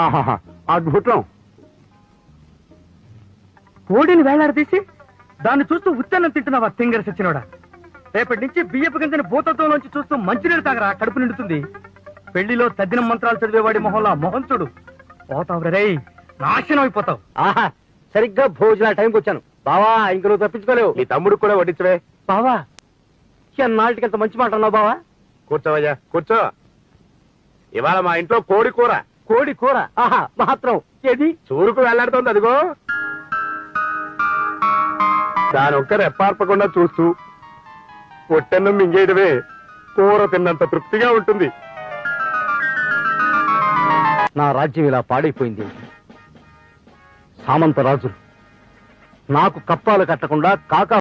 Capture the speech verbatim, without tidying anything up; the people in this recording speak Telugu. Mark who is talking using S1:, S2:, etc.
S1: ఆహాహా అద్భుతం.
S2: కోడిని వేలాడదీసి దాన్ని చూస్తూ ఉత్తన్నం తింటున్నావా తింగర సచ్చినోడా? రేపటి నుంచి బియ్యపు గింజని భూతత్వంలోంచి చూస్తూ మంచినీళ్ళు తాగరా, కడుపు నిండుతుంది. పెళ్లిలో తద్దిన మంత్రాలు చదివేవాడి మొహంలో మొహం చూడు, పోతావు రే, నాశనం అయిపోతావు.
S1: ఆహా సరిగ్గా భోజనాల టైంకి వచ్చాను బావా, ఇంక నువ్వు తప్పించుకోలేవు.
S3: నీ తమ్ముడు కూడా వడ్డించవే.
S1: బావా ఎన్నాళ్ళకి ఎంత మంచి మాట అన్నావు బావా.
S3: కూర్చోవయ్యా కూర్చో. ఇవాళ మా ఇంట్లో కోడి కూర.
S1: కోడి కూర ఆహా మాత్రం ఏది
S3: చూరుకు వెళ్లాడుతోంది అదిగో. దాని ఒక్క రెప్పార్పకుండా చూస్తూ పొట్టెన్నం మింగేయడమే కూర తిన్నంత తృప్తిగా ఉంటుంది.
S1: నా రాజ్యం ఇలా పాడైపోయింది. సామంత రాజులు నాకు కప్పాలు కట్టకుండా కాకా